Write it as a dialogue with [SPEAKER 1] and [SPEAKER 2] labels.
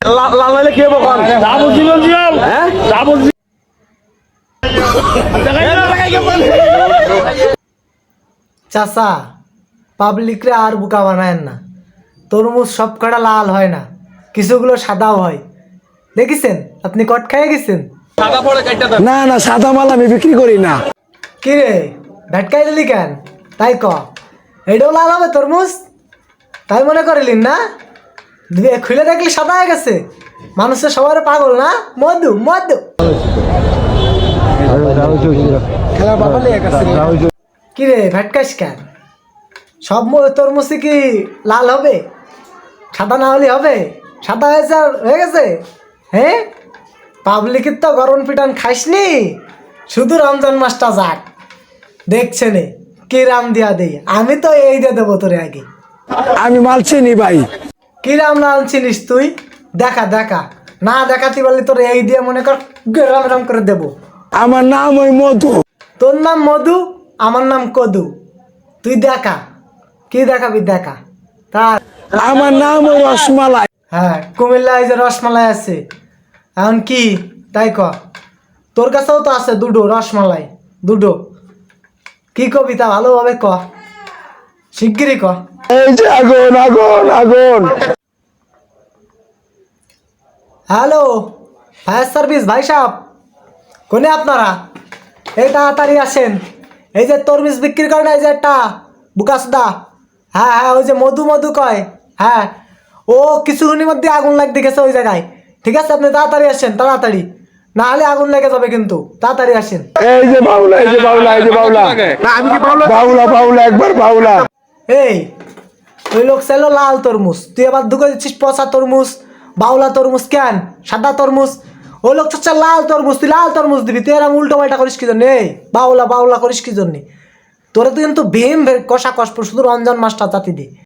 [SPEAKER 1] লাল হইলে কি হবে কোন? হ্যাঁ?
[SPEAKER 2] চাচা, পাবলিকরে আর বোকা বানায়েন না। তরমুজ সব কটা লাল হয় না, কিছুগুলো সাদাও হয়। দেখেছেন? আপনি কট খেয়ে গেছেন?
[SPEAKER 3] না না, সাদা মাল আমি বিক্রি করি না।
[SPEAKER 2] কি রে, ভেটকাই দিলি কেন? তাই ক, এটাও লাল হবে তরমুজ? তাই মনে করিলেন না? খুলে দেখলি সাদা হয়ে গেছে। মানুষের সবার পাগল না, মধু মধু। কি রে, ভেটকাইস কেন? সব তরমুজই কি লাল হবে? সাদা না হলে হবে? সাদা হয়েছে আর হয়ে গেছে? হ্যাঁ, পাবলিকের তো গরম পিটান খাইসনি। শুধু রমজান মাসটা যাক, দেখছে নে কি রাম দিয়া দেই। আমি তো এই দিয়ে দেবো তোরে আগে।
[SPEAKER 3] আমি মাল চিনি ভাই।
[SPEAKER 2] কি রাম লাল চিনিস তুই? দেখা দেখা, না দেখাতে পারলে তোর এই দিয়ে মনে কর রাম রাম করে দেবো।
[SPEAKER 3] আমার নাম ওই মধু।
[SPEAKER 2] তোর নাম মধু, আমার নাম কদু। তুই দেখা, কি দেখাবি দেখা। তার
[SPEAKER 3] আমার নাম ওই রসমালাই।
[SPEAKER 2] হ্যাঁ, কুমিল্লায় যে রসমালাই আছে, এখন কি তাই ক। তোর কাছেও তো আছে দুটো রসমালাই, দুটো। কি কবিতা ভালোভাবে ক, শিগগিরই ক।
[SPEAKER 3] এই যে আগুন আগুন আগুন।
[SPEAKER 2] হ্যালো, ফায়ার সার্ভিস ভাই সাহেব, কোনে আপনারা? এই তাড়াতাড়ি আসেন। এই যে তরমুজ বিক্রি করে না, এই যে একটা বুকাসদা। হ্যাঁ হ্যাঁ, ওই যে মধু মধু কয়। হ্যাঁ, ও কিছুক্ষণের মধ্যে আগুন লাগতে গেছে ওই জায়গায়। ঠিক আছে, আপনি তাড়াতাড়ি আসেন, তাড়াতাড়ি, না হলে আগুন লেগে যাবে কিন্তু। তাড়াতাড়ি আসেন।
[SPEAKER 3] এই যে বাউলা, এই যে বাউলা, এই যে বাউলা। বাউলা বাউলা, একবার বাউলা।
[SPEAKER 2] এই, ওই লোক চাইলো লাল তরমুজ, তুই আবার ঢুকে দিচ্ছিস পচা তরমুজ। বাউলা তরমুজ কেন, সাদা তরমুজ। ওই লোক চাচ্ছে লাল তরমুজ, তুই লাল তরমুজ দিবি। তুই এরকম উল্টো পাল্টা করিস কি জন্য? এই বাউলা বাউলা করিস কি জন্য? তোরা তুই কিন্তু ভীম কষা কষ, শুধু রমজান মাসটা জাতি দে।